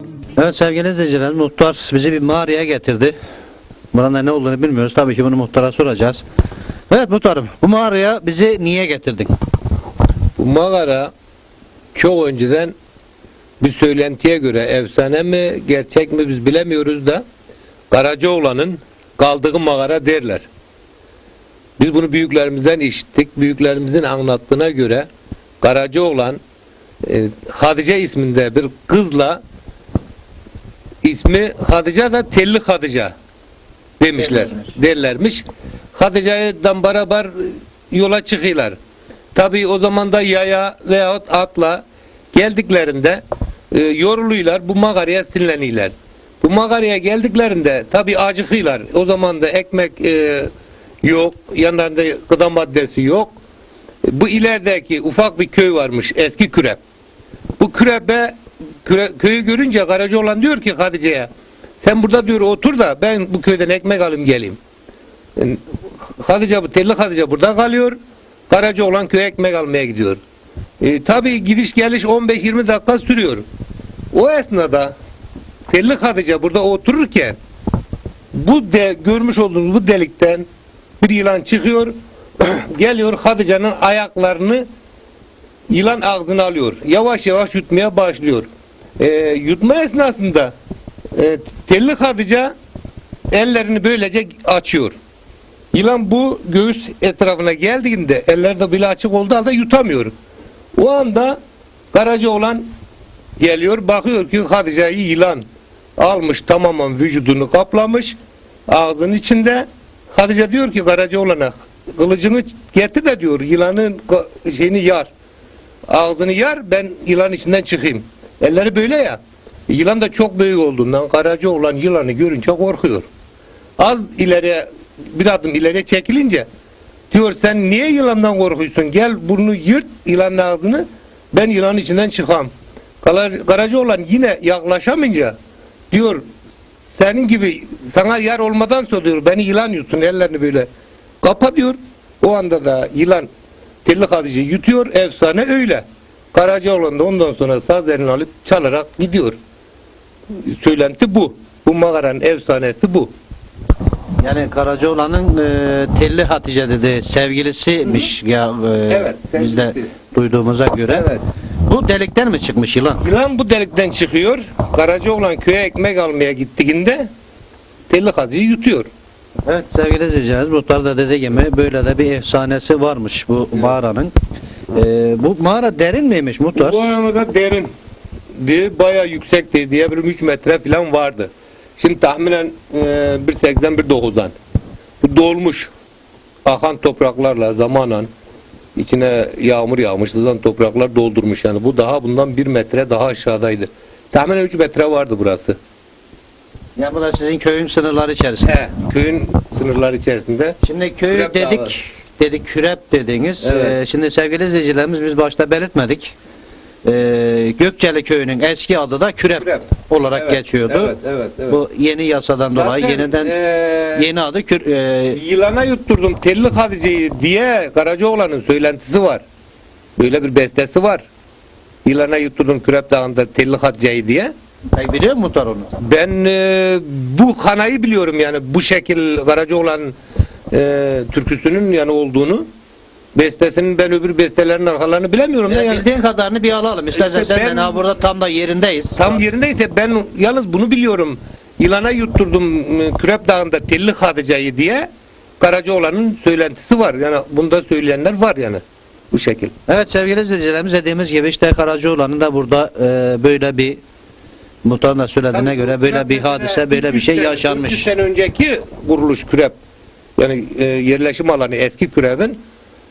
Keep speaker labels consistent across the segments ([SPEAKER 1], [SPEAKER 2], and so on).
[SPEAKER 1] Evet sevgili izleyiciler, muhtar bizi bir mağaraya getirdi. Buranın ne olduğunu bilmiyoruz. Tabii ki bunu muhtara soracağız. Evet muhtarım, bu mağaraya bizi niye getirdin?
[SPEAKER 2] Bu mağara çok önceden bir söylentiye göre efsane mi gerçek mi biz bilemiyoruz da Karacaoğlan'ın kaldığı mağara derler. Biz bunu büyüklerimizden işittik. Büyüklerimizin anlattığına göre Karacaoğlan Hatice isminde bir kızla, ismi Hatice da Telli Hatice demişler, derlermiş. Hatice'den beraber yola çıkıyorlar. Tabii o zaman da yaya veyahut atla geldiklerinde yoruluyorlar, bu mağaraya sinirleniyorlar. Bu mağaraya geldiklerinde tabii acıkıyorlar. O zaman da ekmek yok, yanlarında gıda maddesi yok. Bu ilerideki ufak bir köy varmış, eski Kürep. Bu köyü görünce Karacaoğlan diyor ki Hatice'ye, sen burada diyor otur da ben bu köyden ekmek alayım geleyim. Telli Hatice burada kalıyor. Karacaoğlan köye ekmek almaya gidiyor. Tabii gidiş geliş 15-20 dakika sürüyor. O esnada Telli Hatice burada otururken görmüş olduğunuz bu delikten bir yılan çıkıyor. Geliyor Hatice'nin ayaklarını yılan ağzına alıyor. Yavaş yavaş yutmaya başlıyor. Yutma esnasında Telli Hatice ellerini böylece açıyor. Yılan bu göğüs etrafına geldiğinde eller de bile açık olduğu halde yutamıyor. O anda Karacaoğlan geliyor, bakıyor ki Hatice'yi yılan almış, tamamen vücudunu kaplamış ağzının içinde. Hatice diyor ki Karacaoğlan'a, kılıcını getir de diyor yılanın şeyini yar, ağzını yar, ben yılanın içinden çıkayım. Elleri böyle ya, yılan da çok büyük olduğundan Karacaoğlan yılanı görünce korkuyor. Az ileriye, bir adım ileriye çekilince diyor sen niye yılandan korkuyorsun, gel burnunu yırt yılanın ağzını, ben yılanın içinden çıkam. Karacaoğlan yine yaklaşamayınca diyor senin gibi sana yer olmadan sonra diyor beni yılan yutsun, ellerini böyle kapa diyor. O anda da yılan Telli Hatice'yi yutuyor, efsane öyle. Karacaoğlan da ondan sonra saz elini alıp çalarak gidiyor. Söylenti bu. Bu mağaranın efsanesi bu.
[SPEAKER 1] Yani Karacaoğlan'ın Telli Hatice dedi sevgilisiymiş ya,
[SPEAKER 2] evet,
[SPEAKER 1] biz de
[SPEAKER 2] sevgilisi.
[SPEAKER 1] duyduğumuza göre.
[SPEAKER 2] Evet.
[SPEAKER 1] Bu delikten mi çıkmış yılan?
[SPEAKER 2] Yılan bu delikten çıkıyor. Karacaoğlan köye ekmek almaya gittiğinde Telli Hatice'yi yutuyor.
[SPEAKER 1] Evet sevgili izleyicilerimiz, muhtar da dediği gibi böyle de bir efsanesi varmış bu mağaranın. Bu mağara derin miymiş muhtar?
[SPEAKER 2] Bu arada derin. Bayağı yüksekti. Diye bir 3 metre falan vardı. Şimdi tahminen 1.80-1.90'dan. Bu dolmuş. Akan topraklarla zamanen içine yağmur yağmış, sızan topraklar doldurmuş yani. Bu bundan 1 metre daha aşağıdaydı. Tahminen 3 metre vardı burası.
[SPEAKER 1] Ya bu da sizin köyün sınırları içerisinde.
[SPEAKER 2] Köyün sınırları içerisinde.
[SPEAKER 1] Şimdi köyü
[SPEAKER 2] Kürep
[SPEAKER 1] dedik Kürep dediniz.
[SPEAKER 2] Evet.
[SPEAKER 1] Şimdi sevgili izleyicilerimiz, biz başta belirtmedik. Gökçeli köyünün eski adı da Kürep olarak geçiyordu.
[SPEAKER 2] Evet.
[SPEAKER 1] Bu yeni yasadan dolayı
[SPEAKER 2] Zaten,
[SPEAKER 1] yeniden yeni adı
[SPEAKER 2] yılana yutturdum Telli Hatice'yi diye Karacaoğlan'ın söylentisi var. Böyle bir bestesi var. Yılana yutturdum Kürep Dağı'nda Telli Hatice'yi diye.
[SPEAKER 1] Peki biliyor musun muhtar onu?
[SPEAKER 2] Ben bu kanayı biliyorum yani bu şekil Karacaoğlan türküsünün yani olduğunu. Bestesinin ben öbür bestelerin arkalarını bilemiyorum da yani.
[SPEAKER 1] Bildiğin kadarını bir alalım. İstersen
[SPEAKER 2] İşte
[SPEAKER 1] sen de burada tam da yerindeyiz.
[SPEAKER 2] Tam yerindeyse ben yalnız bunu biliyorum. Yılana yutturdum Kürep Dağı'nda Telli Hatice'yi diye Karacaoğlan'ın söylentisi var. Yani bunda söyleyenler var yani. Bu şekil.
[SPEAKER 1] Evet sevgili izleyicilerimiz, dediğimiz gibi işte Karacaoğlan'ın da burada böyle bir, muhtarın da söylediğine göre böyle bir hadise, böyle bir şey yaşanmış.
[SPEAKER 2] 300 sene önceki kuruluş Kürep. Yani yerleşim alanı eski Kürep'in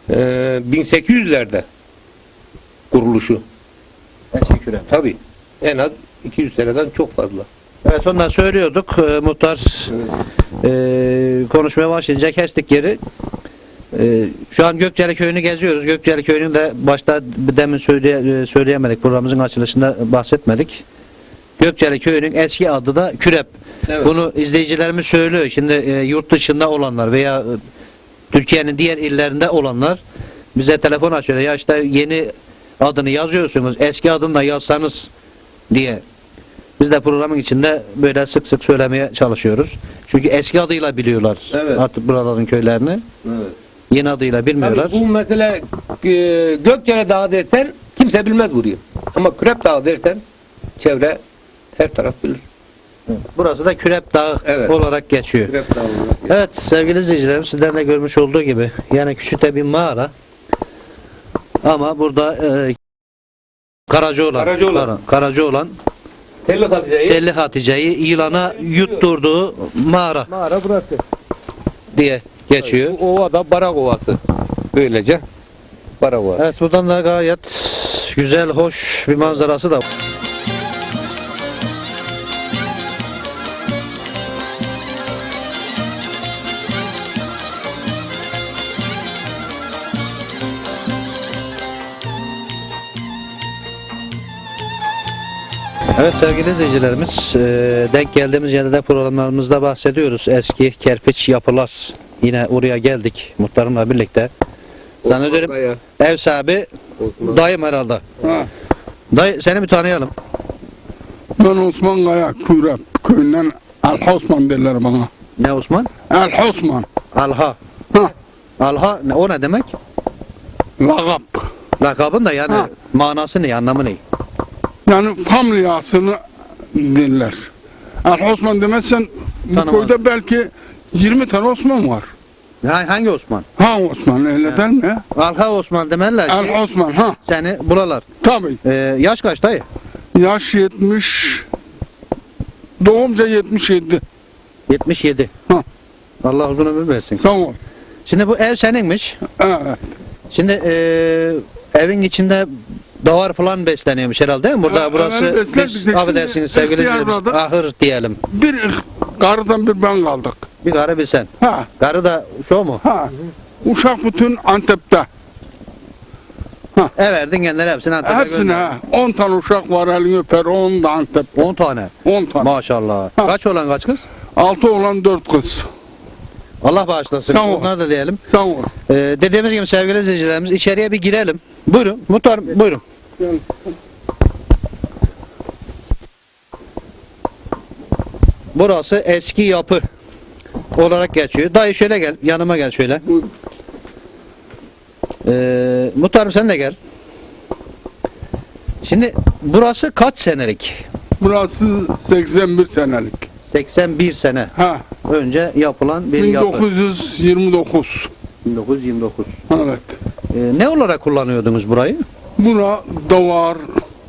[SPEAKER 2] 1800'lerde kuruluşu.
[SPEAKER 1] Eski Kürep.
[SPEAKER 2] Tabii. En az 200 seneden çok fazla.
[SPEAKER 1] Evet, ondan söylüyorduk. Muhtar konuşmaya başlayınca kestik yeri. Şu an Gökçeli Köyü'nü geziyoruz. Gökçeli Köyü'nü de başta demin söyleyemedik. Programımızın açılışında bahsetmedik. Gökçeli Köyü'nün eski adı da Kürep.
[SPEAKER 2] Evet.
[SPEAKER 1] Bunu izleyicilerimiz söylüyor. Şimdi yurt dışında olanlar veya Türkiye'nin diğer illerinde olanlar bize telefon açıyor. Ya işte yeni adını yazıyorsunuz, eski adını da yazsanız diye Biz de programın içinde böyle sık sık söylemeye çalışıyoruz. Çünkü eski adıyla biliyorlar
[SPEAKER 2] Evet.
[SPEAKER 1] artık buraların köylerini.
[SPEAKER 2] Evet.
[SPEAKER 1] Yeni adıyla bilmiyorlar.
[SPEAKER 2] Tabii bu mesela Gökçere Dağı dersen kimse bilmez burayı. Ama Kürep Dağı dersen çevre her taraf bilir.
[SPEAKER 1] Burası da Kürep Dağı
[SPEAKER 2] Evet.
[SPEAKER 1] olarak geçiyor.
[SPEAKER 2] Kürep Dağı olarak.
[SPEAKER 1] Evet sevgili izleyicilerim, sizden de görmüş olduğu gibi yani küçük bir mağara ama burada Karacaoğlan
[SPEAKER 2] Telli Hatice'yi
[SPEAKER 1] Telli Hatice'yi yılana yutturduğu mağara
[SPEAKER 2] mağara burası.
[SPEAKER 1] diye geçiyor.
[SPEAKER 2] Bu ova da Barak Ovası. Böylece Barak Ovası.
[SPEAKER 1] Evet, buradan da gayet güzel, hoş bir manzarası da var. Evet sevgili izleyicilerimiz, denk geldiğimiz yerde programlarımızda bahsediyoruz. Eski kerpiç yapılar. Yine oraya geldik muhtarımla birlikte. Zannediyorum ev sahibi dayım herhalde.
[SPEAKER 3] Ha,
[SPEAKER 1] Dayı seni bir tanıyalım.
[SPEAKER 3] ben Osman Kaya Kürep köyünden El Osman derler bana.
[SPEAKER 1] Ne Osman?
[SPEAKER 3] El Osman.
[SPEAKER 1] Alha.
[SPEAKER 3] Ha,
[SPEAKER 1] Alha o ne demek?
[SPEAKER 3] lagap.
[SPEAKER 1] Lakabın da yani
[SPEAKER 3] Ha.
[SPEAKER 1] manası ne, anlamı ne?
[SPEAKER 3] Yani familyasını derler. El Osman demezsen bu
[SPEAKER 1] Tanımaz.
[SPEAKER 3] köyde belki 20 tane Osman var.
[SPEAKER 1] Hangi Osman?
[SPEAKER 3] Ha Osman öyle der mi?
[SPEAKER 1] Alha Osman demerler ki
[SPEAKER 3] El Osman ha.
[SPEAKER 1] seni buralar.
[SPEAKER 3] Tabii.
[SPEAKER 1] Yaş kaç dayı?
[SPEAKER 3] Yaş 70. Doğumca 77.
[SPEAKER 1] 77.
[SPEAKER 3] Ha.
[SPEAKER 1] Allah uzun ömür versin.
[SPEAKER 3] Sağ ol.
[SPEAKER 1] Şimdi bu ev seninmiş.
[SPEAKER 3] Evet.
[SPEAKER 1] Şimdi evin içinde davar falan besleniyormuş herhalde değil mi? Burada
[SPEAKER 3] Ha,
[SPEAKER 1] burası
[SPEAKER 3] evet, beslerdik
[SPEAKER 1] biz
[SPEAKER 3] de şimdi
[SPEAKER 1] affedersiniz sevgili
[SPEAKER 3] ihtiyar
[SPEAKER 1] izleyicilerimiz,
[SPEAKER 3] burada.
[SPEAKER 1] ahır diyelim.
[SPEAKER 3] Bir karıdan bir ben kaldık.
[SPEAKER 1] Bir karı bilsen.
[SPEAKER 3] Ha.
[SPEAKER 1] Karı da şu mu?
[SPEAKER 3] Ha. Uşak bütün Antep'te.
[SPEAKER 1] Verdin kendileri hepsini Antep'e
[SPEAKER 3] Hepsine
[SPEAKER 1] gönderdin.
[SPEAKER 3] ha. 10 tane uşak var elini öper 10 da Antep'te.
[SPEAKER 1] 10 tane.
[SPEAKER 3] 10 tane.
[SPEAKER 1] Maşallah.
[SPEAKER 3] Ha.
[SPEAKER 1] Kaç olan kaç kız?
[SPEAKER 3] 6 olan 4 kız.
[SPEAKER 1] Allah bağışlasın.
[SPEAKER 3] Sağ ol.
[SPEAKER 1] Bunlar da diyelim.
[SPEAKER 3] Sağ ol.
[SPEAKER 1] Dediğimiz gibi sevgili izleyicilerimiz içeriye bir girelim. Buyurun. Muhtar buyurun. Burası eski yapı olarak geçiyor. Dayı şöyle gel. Yanıma gel şöyle.
[SPEAKER 3] Buyur.
[SPEAKER 1] Muhtarım sen de gel. Şimdi burası kaç senelik?
[SPEAKER 3] Burası 81 senelik.
[SPEAKER 1] 81 sene
[SPEAKER 3] Ha.
[SPEAKER 1] önce yapılan bir yapı.
[SPEAKER 3] 1929.
[SPEAKER 1] 1929.
[SPEAKER 3] Evet.
[SPEAKER 1] Ne olarak kullanıyordunuz burayı?
[SPEAKER 3] Buna davar,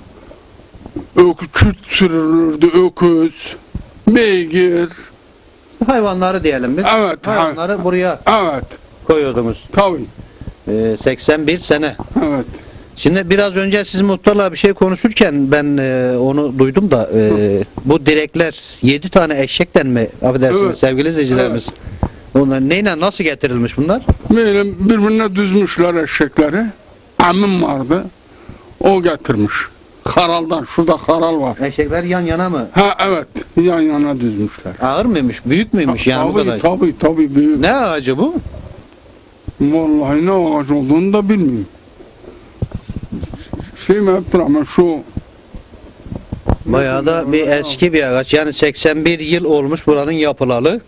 [SPEAKER 3] küt sürülürdü, öküz, beygir.
[SPEAKER 1] Hayvanları diyelim biz.
[SPEAKER 3] Evet,
[SPEAKER 1] Hayvanları buraya
[SPEAKER 3] Evet.
[SPEAKER 1] koyuyordunuz.
[SPEAKER 3] Tabii.
[SPEAKER 1] 81 sene.
[SPEAKER 3] Evet.
[SPEAKER 1] Şimdi biraz önce siz muhtarla bir şey konuşurken ben onu duydum da bu direkler 7 tane eşekten mi affedersiniz
[SPEAKER 3] Evet.
[SPEAKER 1] sevgili izleyicilerimiz? Onlar neyle nasıl getirilmiş bunlar?
[SPEAKER 3] Böyle birbirine düzmüşler eşekleri. Amim vardı. O getirmiş. Haraldan. Şurada haral var.
[SPEAKER 1] Eşekler yan yana mı?
[SPEAKER 3] Ha evet. Yan yana düzmüşler.
[SPEAKER 1] Ağır mıymış? Büyük müymüş yani bu kadar?
[SPEAKER 3] Tabii büyük.
[SPEAKER 1] Ne ağacı bu?
[SPEAKER 3] Vallahi ne ağaç olduğunu da bilmiyorum. Şey mi yaptır ama şu
[SPEAKER 1] Bayağı da bir eski bir ağaç. Yani 81 yıl olmuş buranın yapılalı.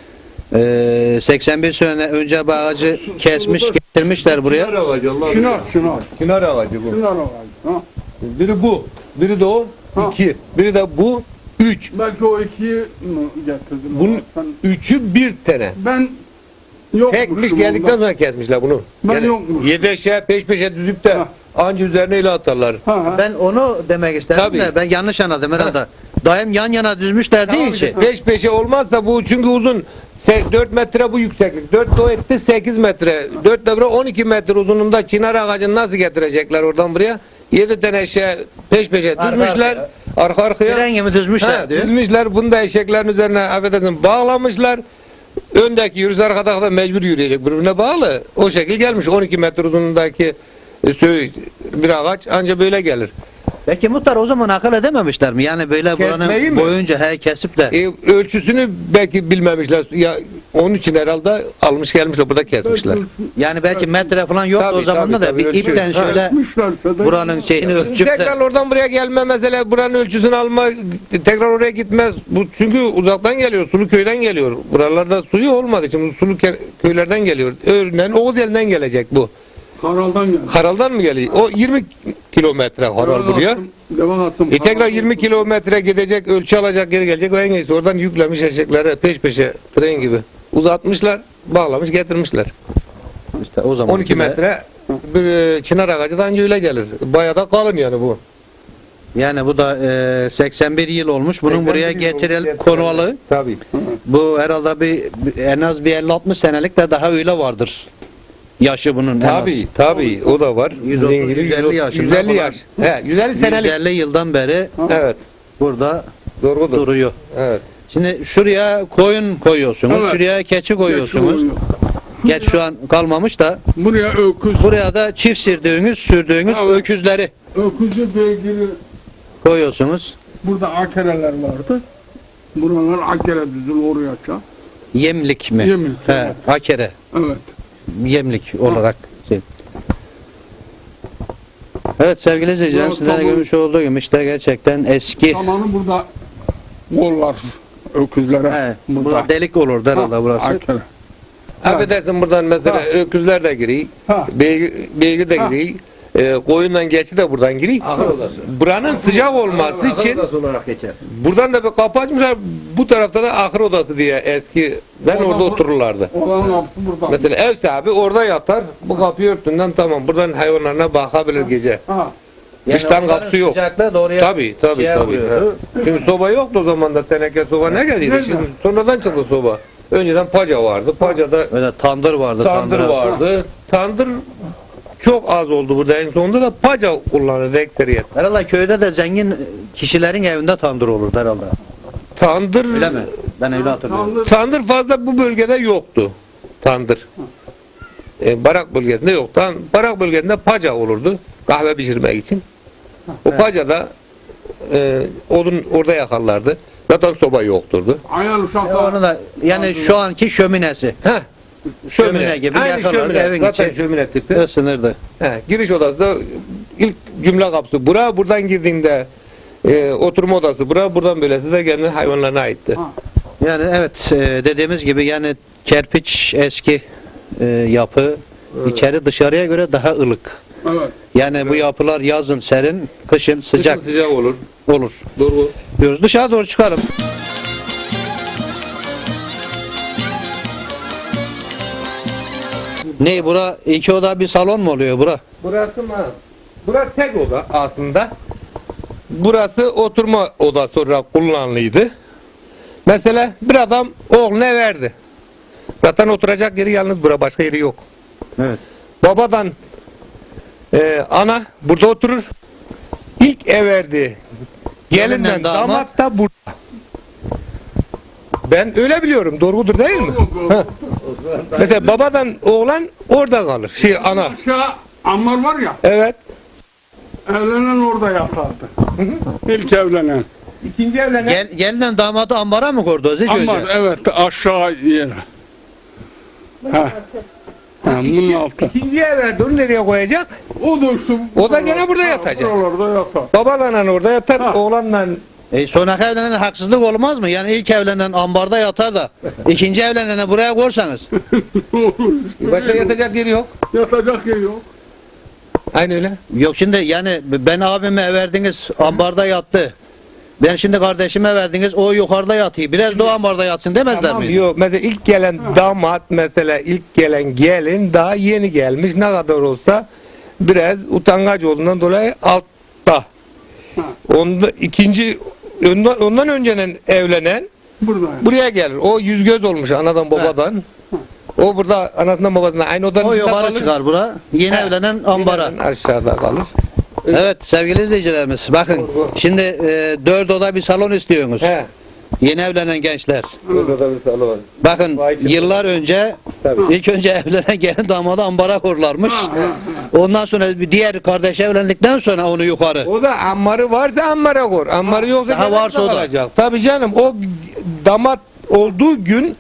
[SPEAKER 1] 81 sene önce bu ağacı kesmiş getirmişler buraya.
[SPEAKER 2] Çınar ağacı Allah
[SPEAKER 3] Çınar.
[SPEAKER 2] Çınar ağacı bu.
[SPEAKER 3] Çınar ağacı. Ha.
[SPEAKER 2] Biri bu. Biri de o.
[SPEAKER 3] Ha.
[SPEAKER 2] 2. Biri de bu. 3.
[SPEAKER 3] Belki o ikiyi mi getirdin?
[SPEAKER 2] Bunun
[SPEAKER 3] Ben,
[SPEAKER 2] 3'ü bir tane.
[SPEAKER 3] ben yokmuşum.
[SPEAKER 2] Tekmiş geldikten sonra kesmişler bunu.
[SPEAKER 3] Ben yokmuşum.
[SPEAKER 2] Yedeşe peş peşe düzüp de
[SPEAKER 3] Ha.
[SPEAKER 2] anca üzerine ile atarlar.
[SPEAKER 1] Ben onu demek istedim
[SPEAKER 2] Tabii.
[SPEAKER 1] de ben yanlış anladım herhalde. Dayım yan yana düzmüşler değil ki.
[SPEAKER 2] Peş peşe olmazsa bu çünkü uzun. 4 metre bu yükseklik. 4 de o etti 8 metre. 4 de buraya 12 metre uzunluğunda çınar ağacını nasıl getirecekler oradan buraya? 7 tane eşeğe peş peşe
[SPEAKER 1] Arka
[SPEAKER 2] düzmüşler. Arka arkaya.
[SPEAKER 1] Tren gibi düzmüşler
[SPEAKER 2] Ha,
[SPEAKER 1] diyor.
[SPEAKER 2] düzmüşler. Bunu da eşeklerin üzerine affedersin bağlamışlar. Öndeki yürüyüş arkadaki da mecbur yürüyecek. Birbirine bağlı. O şekil gelmiş. 12 metre uzunluğundaki bir ağaç anca böyle gelir.
[SPEAKER 1] Peki muhtar o zaman akıl edememişler mi? Yani böyle
[SPEAKER 2] Kesmeyi
[SPEAKER 1] buranın
[SPEAKER 2] mi?
[SPEAKER 1] boyunca kesip de
[SPEAKER 2] Ölçüsünü belki bilmemişler. Ya Onun için herhalde almış gelmişler burada kesmişler.
[SPEAKER 1] Yani belki metre falan yoktu
[SPEAKER 2] Tabii,
[SPEAKER 1] o zaman da
[SPEAKER 2] tabii,
[SPEAKER 1] bir
[SPEAKER 2] ölçü.
[SPEAKER 1] ipten şöyle
[SPEAKER 3] Etmişlerse de
[SPEAKER 1] buranın şeyini ölçüp de
[SPEAKER 2] Tekrar oradan buraya gelme mesela buranın ölçüsünü alma tekrar oraya gitmez. Bu çünkü uzaktan geliyor. Sulu köyden geliyor. Buralarda suyu olmadığı için sulu köylerden geliyor. Örneğin Oğuzel'den gelecek bu.
[SPEAKER 3] Karal'dan geldi.
[SPEAKER 2] Haral'dan mı geliyor? O 20 kilometre Haral buraya. Tekrar 20 kilometre gidecek, ölçü alacak, geri gelecek. O en iyisi oradan yüklemiş eşekleri peş peşe tren gibi. Uzatmışlar, bağlamış, getirmişler.
[SPEAKER 1] işte o zaman
[SPEAKER 2] 12 metre bir çınar ağacı da anca öyle gelir. Bayağı da kalın yani bu.
[SPEAKER 1] Yani bu da 81 yıl olmuş. Bunun buraya getirilip konualı.
[SPEAKER 2] Tabii.
[SPEAKER 1] Bu herhalde en az bir 50-60 senelik de daha öyle vardır. Yaşı bunun en az.
[SPEAKER 2] Tabii o da var.
[SPEAKER 1] 130,
[SPEAKER 2] Dediğin gibi
[SPEAKER 1] 150 yaşında
[SPEAKER 2] 150 yaş. He, 150 senelik.
[SPEAKER 1] 150 yıldan beri
[SPEAKER 2] Evet.
[SPEAKER 1] burada
[SPEAKER 2] Doğrudur.
[SPEAKER 1] duruyor.
[SPEAKER 2] Evet.
[SPEAKER 1] Şimdi şuraya koyun koyuyorsunuz,
[SPEAKER 3] Evet.
[SPEAKER 1] şuraya keçi koyuyorsunuz. Geç şu an kalmamış da
[SPEAKER 3] Buraya öküz.
[SPEAKER 1] buraya da çift sürdüğünüz
[SPEAKER 3] Evet.
[SPEAKER 1] öküzleri
[SPEAKER 3] Öküzü beygiri.
[SPEAKER 1] koyuyorsunuz.
[SPEAKER 3] Burada akereler vardı. Buralar akere düzül oraya çağ.
[SPEAKER 1] Yemlik mi?
[SPEAKER 3] Yemlik,
[SPEAKER 1] He,
[SPEAKER 3] evet.
[SPEAKER 1] akere.
[SPEAKER 3] Evet.
[SPEAKER 1] Yemlik olarak. Şey. Evet sevgili izleyicilerim,
[SPEAKER 3] Evet,
[SPEAKER 1] sizlerle
[SPEAKER 3] tamam.
[SPEAKER 1] görmüş olduğu gibi işte gerçekten eski.
[SPEAKER 3] Zamanı burada kol var öküzlere.
[SPEAKER 1] He, burada delik olurdu herhalde burası.
[SPEAKER 3] Akere.
[SPEAKER 2] Affedersin buradan mesela öküzler de giriyor.
[SPEAKER 3] Ha.
[SPEAKER 2] Beygir de giriyor. Koyundan geçi de buradan giriyor.
[SPEAKER 1] Ahır odası.
[SPEAKER 2] Buranın sıcak olması için
[SPEAKER 1] olarak geçer.
[SPEAKER 2] buradan da bir kapı açmışlar. Bu tarafta da ahır odası diye eskiden
[SPEAKER 3] Oradan
[SPEAKER 2] orada otururlardı.
[SPEAKER 3] Oranın kapısı burada.
[SPEAKER 2] Mesela ev sahibi orada yatar. Bu kapıyı örtünden tamam. Buradan hayvanlarına bakabilir gece.
[SPEAKER 3] Ha.
[SPEAKER 2] Dıştan kapısı yok.
[SPEAKER 1] Sıcaklığı doğruya
[SPEAKER 2] Tabii.
[SPEAKER 1] şeye
[SPEAKER 2] Tabii.
[SPEAKER 1] vuruyordu.
[SPEAKER 2] Şimdi soba yoktu o zaman da teneke soba ne geldiydi?
[SPEAKER 3] Nerede?
[SPEAKER 2] Şimdi sonradan çıktı soba. Önceden paca vardı. Pacada
[SPEAKER 1] Öyle tandır vardı.
[SPEAKER 2] tandır
[SPEAKER 1] tandıra-
[SPEAKER 2] vardı. Tandır çok az oldu burada. En sonunda da paca kullanırdı ekseriyet.
[SPEAKER 1] Herhalde köyde de zengin kişilerin evinde tandır olurdu herhalde.
[SPEAKER 2] Tandır
[SPEAKER 1] Öyle mi? Ben öyle hatırlıyorum.
[SPEAKER 3] Tandır.
[SPEAKER 2] tandır fazla bu bölgede yoktu. Tandır. Barak bölgesinde yoktu. Barak bölgesinde paca olurdu. Kahve pişirmek için. O pacada odun orada yakarlardı. Zaten soba yokturdu.
[SPEAKER 3] Ayağın
[SPEAKER 1] Onu
[SPEAKER 3] uşaklar.
[SPEAKER 1] da yani şu anki şöminesi.
[SPEAKER 2] Heh.
[SPEAKER 1] Şömine gibi
[SPEAKER 2] Aynı
[SPEAKER 1] yakarlardı,
[SPEAKER 2] şömine.
[SPEAKER 1] evin
[SPEAKER 2] Zaten
[SPEAKER 1] içi.
[SPEAKER 2] şömine tipi.
[SPEAKER 1] Isınırdı.
[SPEAKER 2] Giriş odası da ilk cümle kapısı. Buradan girdiğinde oturma odası. Buradan böylesi de kendi hayvanlarına aitti.
[SPEAKER 3] Ha.
[SPEAKER 1] Yani evet dediğimiz gibi yani kerpiç eski yapı içeri dışarıya göre daha ılık.
[SPEAKER 3] Evet.
[SPEAKER 1] Yani bu yapılar yazın serin, kışın sıcak
[SPEAKER 2] Sıcak olur.
[SPEAKER 1] olur.
[SPEAKER 2] Doğru.
[SPEAKER 1] Diyoruz. Dışarı doğru çıkalım. Ne bura iki oda bir salon mu oluyor bura?
[SPEAKER 2] Burası mı? Burası tek oda aslında. Burası oturma odası olarak kullanılıydı. Mesela bir adam oğluna verdi. Zaten oturacak yeri yalnız bura, başka yeri yok.
[SPEAKER 1] Evet.
[SPEAKER 2] Babadan ana burada oturur. İlk ev verdi. Gelinden
[SPEAKER 1] Gelinden damat.
[SPEAKER 2] damat da burada. Ben öyle biliyorum. Doğrudur değil mi? Ha. Mesela babadan oğlan orada kalır. Ana.
[SPEAKER 3] Aşağı ambar var ya.
[SPEAKER 2] Evet.
[SPEAKER 3] Evlenen orada yatardı. İlk evlenen.
[SPEAKER 2] İkinci evlenen.
[SPEAKER 1] Gelinden damadı ambara mı koydu Aziz
[SPEAKER 3] Ambar
[SPEAKER 1] Hoca?
[SPEAKER 3] evet aşağı yere. Ha. Ha, bunun altı.
[SPEAKER 2] İkinciye verdi. Onu nereye koyacak?
[SPEAKER 3] O da işte.
[SPEAKER 2] O da gene burada yatacak.
[SPEAKER 3] Buralarda yatar.
[SPEAKER 2] Babadan orada yatar.
[SPEAKER 3] Ha.
[SPEAKER 2] Oğlanla
[SPEAKER 1] Sonraki evlenen haksızlık olmaz mı? Yani ilk evlenen ambarda yatar da ikinci evlenene buraya korsanız.
[SPEAKER 2] başka yatacak yeri yok.
[SPEAKER 3] Yatacak yer yok.
[SPEAKER 2] Aynı öyle.
[SPEAKER 1] Yok şimdi yani ben abime verdiniz ambarda yattı. Ben şimdi kardeşime verdiniz o yukarıda yatıyor. Biraz da o ambarda yatsın demezler
[SPEAKER 2] Tamam,
[SPEAKER 1] mi?
[SPEAKER 2] yok. Mesela ilk gelen damat, mesela ilk gelen gelin daha yeni gelmiş. Ne kadar olsa biraz utangaç olduğundan dolayı altta. Onda ikinci ondan önceden evlenen
[SPEAKER 3] Burada.
[SPEAKER 2] buraya gelir. O yüz göz olmuş anadan babadan. O burada anasından babasından aynı odanın
[SPEAKER 1] O
[SPEAKER 2] içinde
[SPEAKER 1] yukarı
[SPEAKER 2] kalır.
[SPEAKER 1] çıkar bura. Yeni
[SPEAKER 2] He.
[SPEAKER 1] evlenen ambara.
[SPEAKER 2] Yine aşağıda kalır.
[SPEAKER 1] Evet sevgili izleyicilerimiz bakın şimdi 4 oda bir salon istiyorsunuz.
[SPEAKER 2] He.
[SPEAKER 1] Yeni evlenen gençler.
[SPEAKER 2] Burada bir salon.
[SPEAKER 1] Bakın
[SPEAKER 2] Vay canına.
[SPEAKER 1] yıllar önce
[SPEAKER 2] Tabii.
[SPEAKER 1] ilk önce evlenen gelin damadı ambara korlarmış. Ondan sonra bir diğer kardeş evlendikten sonra onu yukarı.
[SPEAKER 2] O da ammarı varsa ammara koy. Ammarı yoksa
[SPEAKER 1] Daha
[SPEAKER 2] gene
[SPEAKER 1] varsa o da.
[SPEAKER 2] kalacak. Tabii canım o damat olduğu gün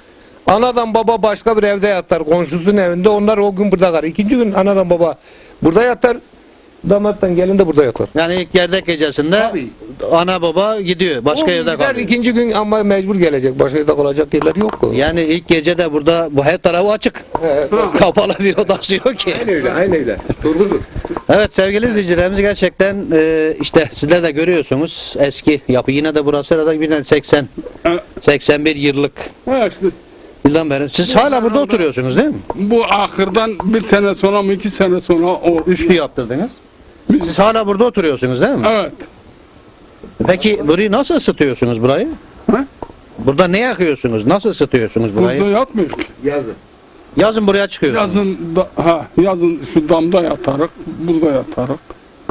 [SPEAKER 2] anadan baba başka bir evde yatar. Komşusunun evinde. Onlar o gün burada kalır. İkinci gün anadan baba burada yatar. Damattan gelin de burada yatar.
[SPEAKER 1] Yani ilk gerdek gecesinde
[SPEAKER 2] Tabii.
[SPEAKER 1] ana baba gidiyor. Başka
[SPEAKER 2] O
[SPEAKER 1] yerde
[SPEAKER 2] gider,
[SPEAKER 1] kalıyor.
[SPEAKER 2] ikinci gün ama mecbur gelecek. Başka yerde kalacak yerler yok.
[SPEAKER 1] Yani ilk gece de burada bu her tarafı açık. Kapalı bir odası yok ki.
[SPEAKER 2] Aynen öyle. Aynen öyle. Doğrudur.
[SPEAKER 1] Evet sevgili izleyicilerimiz gerçekten işte sizler de görüyorsunuz eski yapı. Yine de burası herhalde yine 81 yıllık
[SPEAKER 3] Ha işte
[SPEAKER 1] yıldan beri. Siz hala burada oturuyorsunuz değil mi?
[SPEAKER 3] bu ahırdan bir sene sonra mı 2 sene sonra o
[SPEAKER 1] Üstü yaptırdınız. Siz hala burada oturuyorsunuz değil mi?
[SPEAKER 3] Evet.
[SPEAKER 1] Peki burayı nasıl ısıtıyorsunuz burayı?
[SPEAKER 3] Ha?
[SPEAKER 1] Burada ne yakıyorsunuz? Nasıl ısıtıyorsunuz burayı?
[SPEAKER 3] Burada yatmıyor ki.
[SPEAKER 2] Yazın.
[SPEAKER 1] Yazın buraya çıkıyorsunuz.
[SPEAKER 3] Yazın şu damda yatarık, burada yatarık.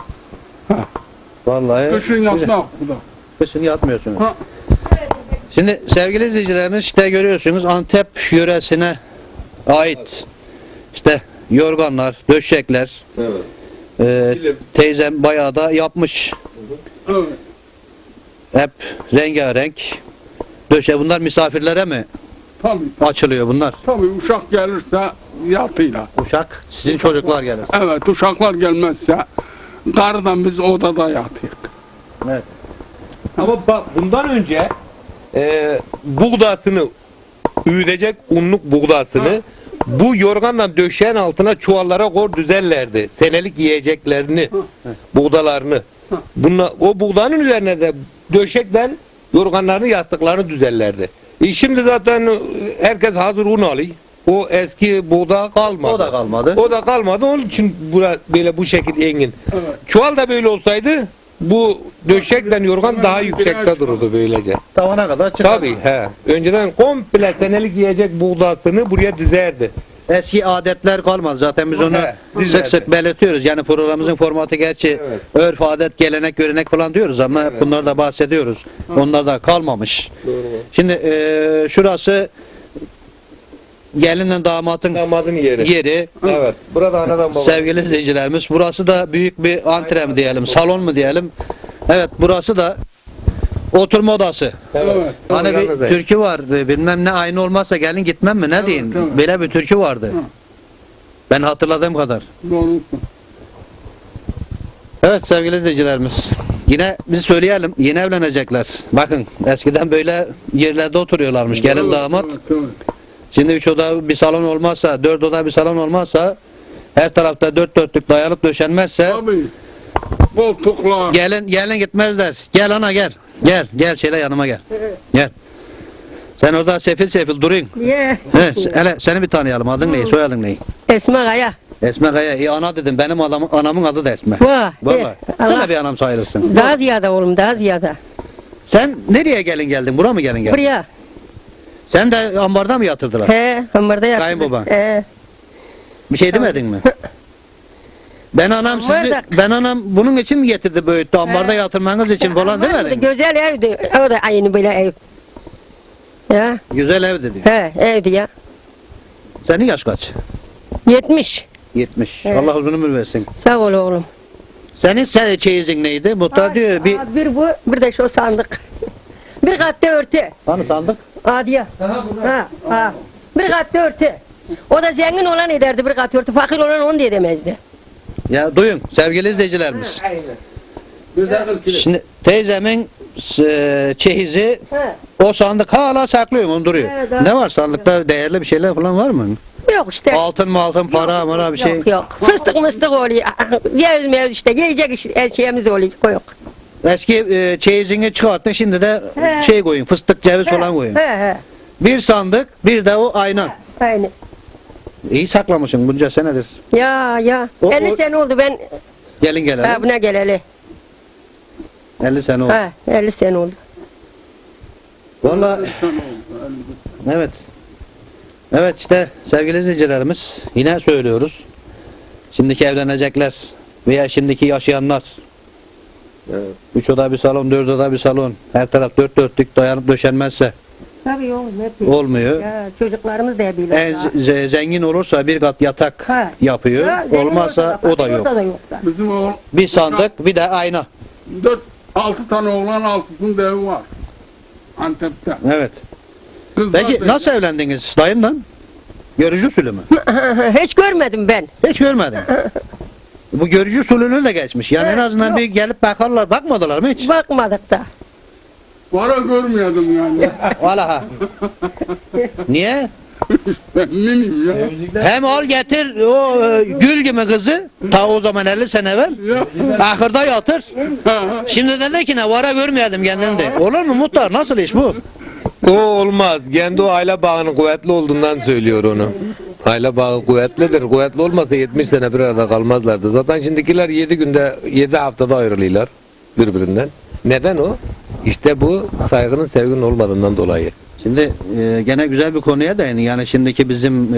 [SPEAKER 1] Vallahi
[SPEAKER 3] Kışın
[SPEAKER 1] güzel.
[SPEAKER 3] yatmak burada.
[SPEAKER 1] Kışın yatmıyorsunuz.
[SPEAKER 3] Ha.
[SPEAKER 1] Şimdi sevgili izleyicilerimiz işte görüyorsunuz Antep yöresine ait işte yorganlar, döşekler teyzem bayağı da yapmış.
[SPEAKER 3] Evet.
[SPEAKER 1] Hep rengarenk. Döşe bunlar misafirlere mi
[SPEAKER 3] Tabii.
[SPEAKER 1] açılıyor bunlar?
[SPEAKER 3] Tabii uşak gelirse yatıyla.
[SPEAKER 1] Uşak sizin çocuklar gelir.
[SPEAKER 3] Evet uşaklar gelmezse karıdan biz odada yatıyık.
[SPEAKER 1] Evet.
[SPEAKER 2] Ama bak bundan önce buğdasını üyütecek unluk buğdasını bu yorganla döşeğin altına çuvallara koy düzerlerdi. Senelik yiyeceklerini, buğdalarını. Bunlar, o buğdanın üzerine de döşekten yorganlarını yastıklarını düzerlerdi. Şimdi zaten herkes hazır un alıyor. O eski buğda kalmadı.
[SPEAKER 1] O da kalmadı.
[SPEAKER 2] O da kalmadı. Onun için böyle bu şekil engin.
[SPEAKER 3] Evet.
[SPEAKER 2] Çuval da böyle olsaydı bu döşekten yorgan daha yüksekte dururdu böylece.
[SPEAKER 1] Tavana kadar çıkar.
[SPEAKER 2] Tabii he. Önceden komple senelik yiyecek buğdasını buraya dizerdi.
[SPEAKER 1] Eski adetler kalmadı. Zaten biz onu
[SPEAKER 2] He,
[SPEAKER 1] sık
[SPEAKER 2] dizerdi.
[SPEAKER 1] sık belirtiyoruz. Yani programımızın formatı gerçi
[SPEAKER 2] Evet.
[SPEAKER 1] örf, adet, gelenek, görenek falan diyoruz ama hep bunları da bahsediyoruz. Onlar da kalmamış. Şimdi şurası gelinle damatın
[SPEAKER 2] Damadın yeri.
[SPEAKER 1] yeri.
[SPEAKER 2] Evet. Burada anadan baba.
[SPEAKER 1] Sevgili izleyicilerimiz burası da büyük bir antre mi diyelim, salon mu diyelim. Evet burası da oturma odası.
[SPEAKER 3] Evet.
[SPEAKER 1] Hani bir
[SPEAKER 2] Yalnız
[SPEAKER 1] türkü var bilmem ne aynı olmazsa gelin gitmem mi ne
[SPEAKER 3] Evet,
[SPEAKER 1] deyin.
[SPEAKER 3] evet.
[SPEAKER 1] Böyle bir türkü vardı.
[SPEAKER 3] Hı.
[SPEAKER 1] Ben hatırladığım kadar.
[SPEAKER 3] Doğrusu.
[SPEAKER 1] Evet sevgili izleyicilerimiz. Yine biz söyleyelim yeni evlenecekler. Bakın eskiden böyle yerlerde oturuyorlarmış gelin
[SPEAKER 3] Evet,
[SPEAKER 1] damat.
[SPEAKER 3] evet, evet.
[SPEAKER 1] Şimdi 3 oda bir salon olmazsa 4 oda bir salon olmazsa her tarafta dört dörtlük dayalıp döşenmezse
[SPEAKER 3] Tabii. Koltuklar.
[SPEAKER 1] gelin gitmezler. Gel ana gel. Gel şöyle yanıma gel. Gel. Sen orada sefil duruyun.
[SPEAKER 4] Niye?
[SPEAKER 1] Hele seni bir tanıyalım. Adın ne? Soyadın ne?
[SPEAKER 4] Esma Kaya.
[SPEAKER 1] Esme Kaya. İyi ana dedim. Benim anamın adı da Esme.
[SPEAKER 4] Vah.
[SPEAKER 1] Vallahi. Sen de bir anam sayılırsın.
[SPEAKER 4] Daha ziyade oğlum, daha ziyade.
[SPEAKER 1] Sen nereye gelin geldin? Bura mı gelin geldin?
[SPEAKER 4] Buraya.
[SPEAKER 1] Sen de ambarda mı yatırdılar?
[SPEAKER 4] He, ambarda yaptı.
[SPEAKER 1] Kayınbaba.
[SPEAKER 4] He.
[SPEAKER 1] Bir şey demedin mi? Ben anam bunun için mi getirdi büyüttü? Ambarda yatırmanız için falan demedin mi?
[SPEAKER 4] Güzel evdi. O da aynı böyle ev. Ya.
[SPEAKER 1] Güzel ev dedi.
[SPEAKER 4] He, evdi ya.
[SPEAKER 1] Senin yaş kaç?
[SPEAKER 4] 70.
[SPEAKER 1] 70.
[SPEAKER 4] Evet.
[SPEAKER 1] Allah uzun ömür versin.
[SPEAKER 4] Sağ ol oğlum.
[SPEAKER 1] Senin çeyizin neydi? Muhtar diyor bir...
[SPEAKER 4] Bir bu, bir de şu sandık. Bir katta örtü.
[SPEAKER 1] Hani sandık?
[SPEAKER 4] Adiye. Ha. Bir katta örtü. O da zengin olan ederdi bir kat örtü. Fakir olan onu da edemezdi.
[SPEAKER 1] Ya duyun sevgili izleyicilerimiz. Şimdi teyzemin çeyizi
[SPEAKER 4] He.
[SPEAKER 1] o sandık hala saklıyorum onu duruyor.
[SPEAKER 4] Evet, evet.
[SPEAKER 1] Ne var sandıkta değerli bir şeyler falan var mı?
[SPEAKER 4] Yok işte.
[SPEAKER 1] Altın mı altın para mı bir şey?
[SPEAKER 4] Yok. Fıstık mıstık oluyor. Yeriz meriz işte. Yiyecek her şeyimiz oluyor. Yok.
[SPEAKER 1] Eski çeyizini çıkarttın şimdi de
[SPEAKER 4] He.
[SPEAKER 1] şey koyun fıstık ceviz falan koyun.
[SPEAKER 4] He.
[SPEAKER 1] Bir sandık bir de o ayna.
[SPEAKER 4] Aynı.
[SPEAKER 1] İyi saklamışsın bunca senedir.
[SPEAKER 4] Ya.
[SPEAKER 1] O-
[SPEAKER 4] 50
[SPEAKER 1] o-
[SPEAKER 4] sene oldu ben
[SPEAKER 1] Gelin gelelim.
[SPEAKER 4] buna geleli.
[SPEAKER 1] 50 sene oldu.
[SPEAKER 4] Ha, 50 sene oldu.
[SPEAKER 1] Vallahi evet. Evet işte sevgili izleyicilerimiz yine söylüyoruz. Şimdiki evlenecekler veya şimdiki yaşayanlar.
[SPEAKER 2] Evet.
[SPEAKER 1] 3 oda bir salon, 4 oda bir salon. Her taraf dört dörtlük dayanıp döşenmezse
[SPEAKER 4] Tabii oğlum hep.
[SPEAKER 1] olmuyor.
[SPEAKER 4] Ya çocuklarımız da biliyor.
[SPEAKER 1] En zengin olursa bir kat yatak
[SPEAKER 4] Ha.
[SPEAKER 1] yapıyor. Olmazsa o da yok.
[SPEAKER 4] O da yok. da.
[SPEAKER 3] Bizim o
[SPEAKER 1] Bir sandık bir de ayna.
[SPEAKER 3] 4-6 tane oğlan 6'sının da evi var. Antep'te.
[SPEAKER 1] Evet. Peki nasıl evlendiniz dayımdan? Görücü usulü mü?
[SPEAKER 4] Hiç görmedim ben.
[SPEAKER 1] Hiç görmedim. Bu görücü usulünü de geçmiş. Yani en
[SPEAKER 4] Evet,
[SPEAKER 1] azından
[SPEAKER 4] yok.
[SPEAKER 1] bir gelip bakarlar, bakmadılar mı hiç?
[SPEAKER 4] Bakmadık da.
[SPEAKER 3] Para görmüyordum yani.
[SPEAKER 1] Vallahi. Niye?
[SPEAKER 3] Ben bilmiyorum ya.
[SPEAKER 1] Hem al getir o gül gibi kızı ta o zaman 50 sene evvel ahırda yatır. Şimdi dedi ki ne vara görmeyelim kendini de. Olur mu muhtar? Nasıl iş bu?
[SPEAKER 2] O olmaz. Kendi o aile bağının kuvvetli olduğundan söylüyor onu. Aile bağı kuvvetlidir. Kuvvetli olmasa 70 sene bir arada kalmazlardı. Zaten şimdikiler 7 günde, 7 haftada ayrılıyorlar birbirinden. Neden o? İşte bu saygının, sevginin olmadığından dolayı.
[SPEAKER 1] Şimdi gene güzel bir konuya değindin. Yani şimdiki bizim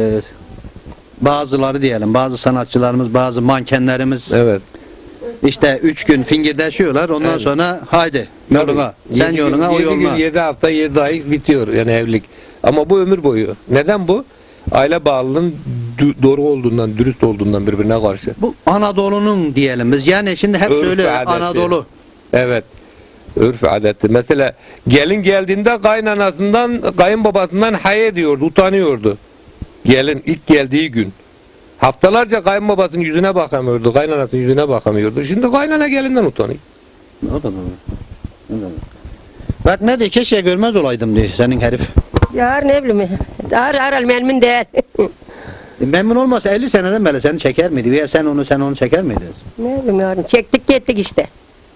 [SPEAKER 1] bazıları diyelim, bazı sanatçılarımız, bazı mankenlerimiz
[SPEAKER 2] Evet.
[SPEAKER 1] işte 3 gün fingirdeşiyorlar. Ondan
[SPEAKER 2] Evet.
[SPEAKER 1] sonra haydi yoluna. Sen
[SPEAKER 2] Yedi
[SPEAKER 1] yoluna,
[SPEAKER 2] gün,
[SPEAKER 1] o
[SPEAKER 2] 7 gün,
[SPEAKER 1] yoluna.
[SPEAKER 2] 7 hafta, 7 ay bitiyor yani evlilik. Ama bu ömür boyu. Neden bu? Aile bağlılığının doğru olduğundan, dürüst olduğundan birbirine karşı.
[SPEAKER 1] Bu Anadolu'nun diyelim biz. Yani şimdi hep
[SPEAKER 2] Örf
[SPEAKER 1] söylüyor
[SPEAKER 2] adeti.
[SPEAKER 1] Anadolu.
[SPEAKER 2] Evet. Örf adeti. Mesela gelin geldiğinde kaynanasından, kayınbabasından hay ediyordu, utanıyordu. Gelin ilk geldiği gün. Haftalarca kayınbabasının yüzüne bakamıyordu, kaynanasının yüzüne bakamıyordu. Şimdi kaynana gelinden utanıyor.
[SPEAKER 1] O da doğru. O da doğru. Bak ne diye keşke görmez olaydım diye senin herif.
[SPEAKER 4] Yar ne bileyim. Aral memnun değil.
[SPEAKER 1] Memnun olmasa 50 seneden beri seni çeker miydi? Veya sen onu çeker miydin?
[SPEAKER 4] Ne bileyim yarın. Çektik gittik işte.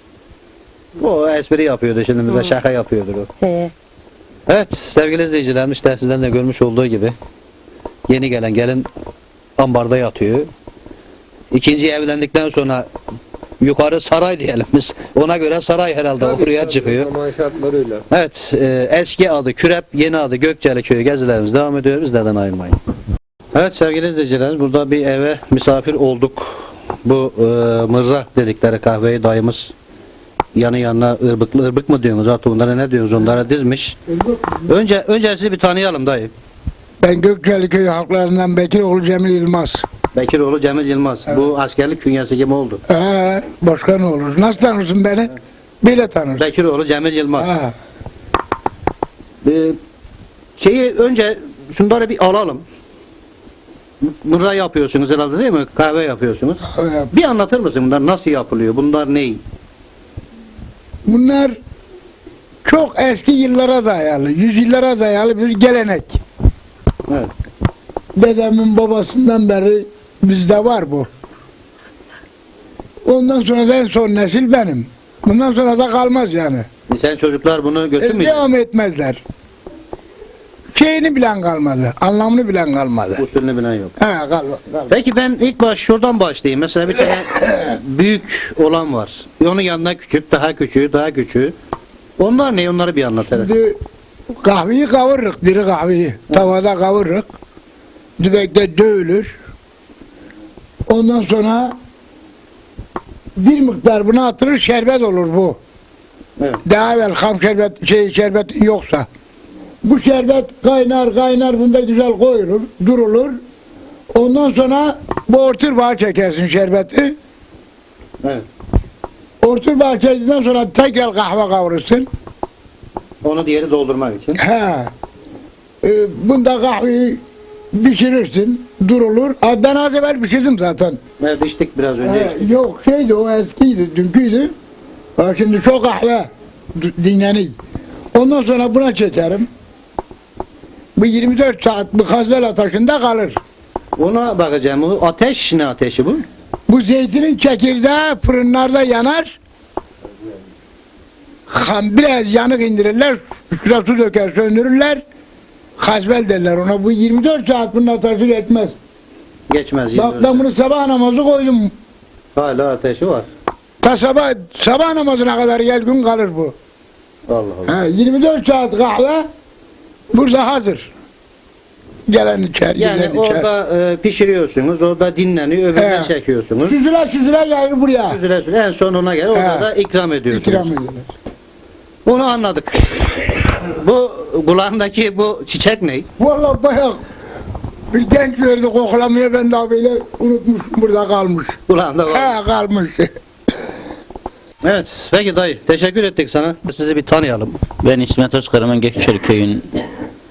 [SPEAKER 1] O espri yapıyordu şimdi bize şaka yapıyordur o.
[SPEAKER 4] He.
[SPEAKER 1] Evet sevgili izleyicilerimiz işte sizden de görmüş olduğu gibi yeni gelen gelin ambarda yatıyor. İkinci evlendikten sonra yukarı saray diyelim biz. Ona göre saray herhalde oraya çıkıyor.
[SPEAKER 2] Zaman şartları öyle.
[SPEAKER 1] Evet eski adı Kürep, yeni adı Gökçeli Köyü gezilerimiz devam ediyor. Bizlerden ayrılmayın. Evet sevgili izleyicilerimiz burada bir eve misafir olduk. Bu mırra dedikleri kahveyi dayımız yanı yanına ırbık mı diyorsunuz artık onlara ne diyorsunuz onlara dizmiş. Önce sizi bir tanıyalım dayı.
[SPEAKER 5] Ben Gökçeli Köyü halklarından Bekiroğlu Cemil Yılmaz.
[SPEAKER 1] Bekiroğlu Cemil Yılmaz. Bu askerlik künyesi gibi oldu.
[SPEAKER 5] Başka ne olur? Nasıl tanırsın beni? Bile tanırsın.
[SPEAKER 1] Bekiroğlu Cemil Yılmaz.
[SPEAKER 5] Ha.
[SPEAKER 1] Şeyi önce şunları bir alalım. Mırra yapıyorsunuz herhalde değil mi? Kahve yapıyorsunuz.
[SPEAKER 5] Evet.
[SPEAKER 1] Bir anlatır mısın bunlar nasıl yapılıyor? Bunlar ne?
[SPEAKER 5] Bunlar çok eski yıllara dayalı, yüzyıllara dayalı bir gelenek.
[SPEAKER 1] Evet.
[SPEAKER 5] Dedemin babasından beri bizde var bu. Ondan sonra da en son nesil benim. Bundan sonra da kalmaz yani.
[SPEAKER 1] Sen çocuklar bunu götürmeyecek.
[SPEAKER 5] Devam etmezler. Şeyini bilen kalmadı, anlamını bilen kalmadı.
[SPEAKER 1] Usulünü bilen yok.
[SPEAKER 5] Kalmadı.
[SPEAKER 1] Peki ben ilk baş şuradan başlayayım. Mesela bir tane büyük olan var. Onun yanında küçük, daha küçüğü, daha küçüğü. Onlar ne? Onları bir anlat hele.
[SPEAKER 5] Şimdi kahveyi kavururuk, diri kahveyi. Tavada kavururuk. Dübekte dövülür. Ondan sonra bir miktar buna atılır, şerbet olur bu.
[SPEAKER 1] Evet.
[SPEAKER 5] Daha evvel ham şerbet yoksa. Bu şerbet kaynar bunda güzel koyulur, durulur. Ondan sonra bu orturbağa çekersin şerbeti.
[SPEAKER 1] Evet.
[SPEAKER 5] Orturbağa çektikten sonra tekrar kahve kavurursun.
[SPEAKER 1] Onu diğeri doldurmak için.
[SPEAKER 5] Bunda kahveyi pişirirsin, durulur. Ben az evvel pişirdim zaten.
[SPEAKER 1] Evet içtik biraz önce içtik.
[SPEAKER 5] Yok şeydi o eskiydi, dünküydü. Şimdi çok kahve dinleniyor. Ondan sonra buna çekerim. Bu 24 saat bu kazbel ateşinde kalır.
[SPEAKER 1] Ona bakacağım. O ateş ne ateşi bu?
[SPEAKER 5] Bu zeytinin çekirdeği fırınlarda yanar. Biraz yanık indirirler, üstüne su döker, söndürürler. Kazbel derler ona. Bu 24 saat bunun ateşi geçmez.
[SPEAKER 1] Geçmez.
[SPEAKER 5] Bak ben bunu sabah namazı koydum.
[SPEAKER 1] Hala ateşi var.
[SPEAKER 5] Ta sabah namazına kadar gel gün kalır bu.
[SPEAKER 1] Allah Allah.
[SPEAKER 5] 24 saat kahve burada hazır. Gelen içer,
[SPEAKER 1] Yani
[SPEAKER 5] giden içer.
[SPEAKER 1] orada pişiriyorsunuz, orada dinleniyor, öbürüne
[SPEAKER 5] He.
[SPEAKER 1] çekiyorsunuz.
[SPEAKER 5] Süzüle gelir buraya.
[SPEAKER 1] Süzüle en sonuna gel, orada
[SPEAKER 5] He.
[SPEAKER 1] da ikram ediyorsunuz.
[SPEAKER 5] İkram edilir.
[SPEAKER 1] Bunu anladık. Bu kulağındaki bu çiçek ne?
[SPEAKER 5] Vallahi bayağı bir genç verdi koklamaya ben daha böyle unutmuş burada kalmış.
[SPEAKER 1] Kulağında var.
[SPEAKER 5] Kalmış.
[SPEAKER 1] Evet, peki dayı, teşekkür ettik sana. Sizi bir tanıyalım.
[SPEAKER 6] Ben İsmet Özkaraman Gökçeli Köyü'nün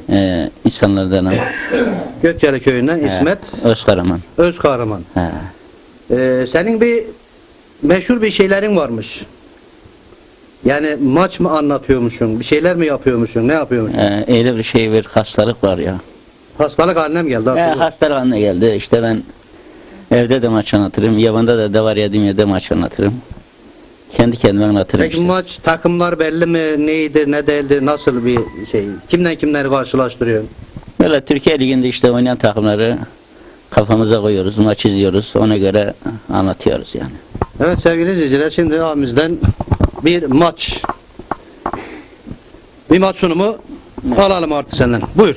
[SPEAKER 6] insanlardanım.
[SPEAKER 1] Gökçeli köyünden İsmet
[SPEAKER 6] Özkaraman.
[SPEAKER 1] Özkahraman.
[SPEAKER 6] He.
[SPEAKER 1] Senin bir meşhur bir şeylerin varmış. Yani maç mı anlatıyormuşsun? Bir şeyler mi yapıyormuşsun? Ne yapıyormuşsun?
[SPEAKER 6] Öyle bir şey, bir hastalık var ya.
[SPEAKER 1] Hastalık haline mi geldi?
[SPEAKER 6] Hastalık haline geldi. İşte ben evde de maç anlatırım. Yabanda da var yediğim yerde maç anlatırım. Kendi kendime anlatırım
[SPEAKER 1] Peki
[SPEAKER 6] işte.
[SPEAKER 1] maç takımlar belli mi? Neydi, ne değildi? Nasıl bir şey? Kimden kimleri karşılaştırıyorsun?
[SPEAKER 6] Böyle Türkiye Ligi'nde işte oynayan takımları kafamıza koyuyoruz, maç izliyoruz. Ona göre anlatıyoruz yani.
[SPEAKER 1] Evet sevgili izleyiciler, şimdi abimizden bir maç sunumu alalım artık senden. Buyur.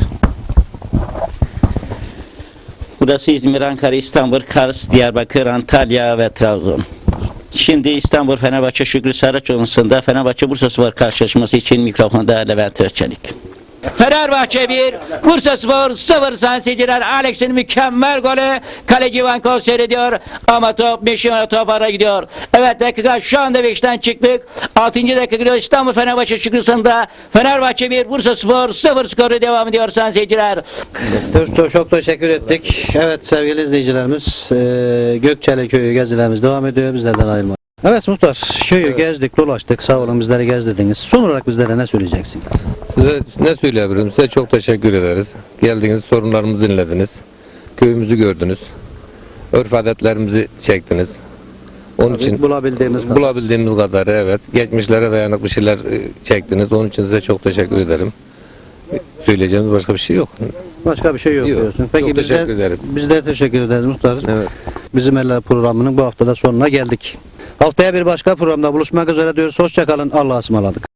[SPEAKER 6] Burası İzmir, Ankara, İstanbul, Kars, Diyarbakır, Antalya ve Trabzon. Şimdi İstanbul Fenerbahçe Şükrü Saraçoğlu'nda Fenerbahçe Bursaspor karşılaşması için mikrofonda Levent Özçelik. Fenerbahçe 1, Bursaspor 0 sayın seyirciler. Alex'in mükemmel golü. Kaleci Ivankov seyrediyor ama top Mişima top ara gidiyor. Evet dakika şu anda 5'ten çıktık. 6. dakika gidiyor. İstanbul Fenerbahçe Şükrüsü'nde Fenerbahçe 1, Bursaspor 0 skoru devam ediyor sayın seyirciler.
[SPEAKER 1] Çok teşekkür ettik. Evet sevgili izleyicilerimiz, Gökçeli köyü gezilerimiz devam ediyor. Bizlerden ayrılmayın. Evet muhtar, köyü gezdik, dolaştık. Sağ olun bizleri gezdirdiniz. Son olarak bizlere ne söyleyeceksin?
[SPEAKER 2] Size ne söyleyebilirim? Size çok teşekkür ederiz. Geldiniz, sorunlarımızı dinlediniz. Köyümüzü gördünüz. Örf adetlerimizi çektiniz. Onun için
[SPEAKER 1] Bulabildiğimiz
[SPEAKER 2] kadarı evet. Geçmişlere dayanıklı şeyler çektiniz. Onun için size çok teşekkür ederim. Söyleyeceğimiz başka bir şey yok.
[SPEAKER 1] Başka bir şey yok
[SPEAKER 2] Yok.
[SPEAKER 1] diyorsun.
[SPEAKER 2] Çok
[SPEAKER 1] Peki
[SPEAKER 2] teşekkür ederiz.
[SPEAKER 1] Biz de teşekkür ederiz muhtar.
[SPEAKER 2] Evet.
[SPEAKER 1] Bizim Eller programının bu haftada sonuna geldik. Haftaya bir başka programda buluşmak üzere diyoruz. Hoşça kalın. Allah'a ısmarladık.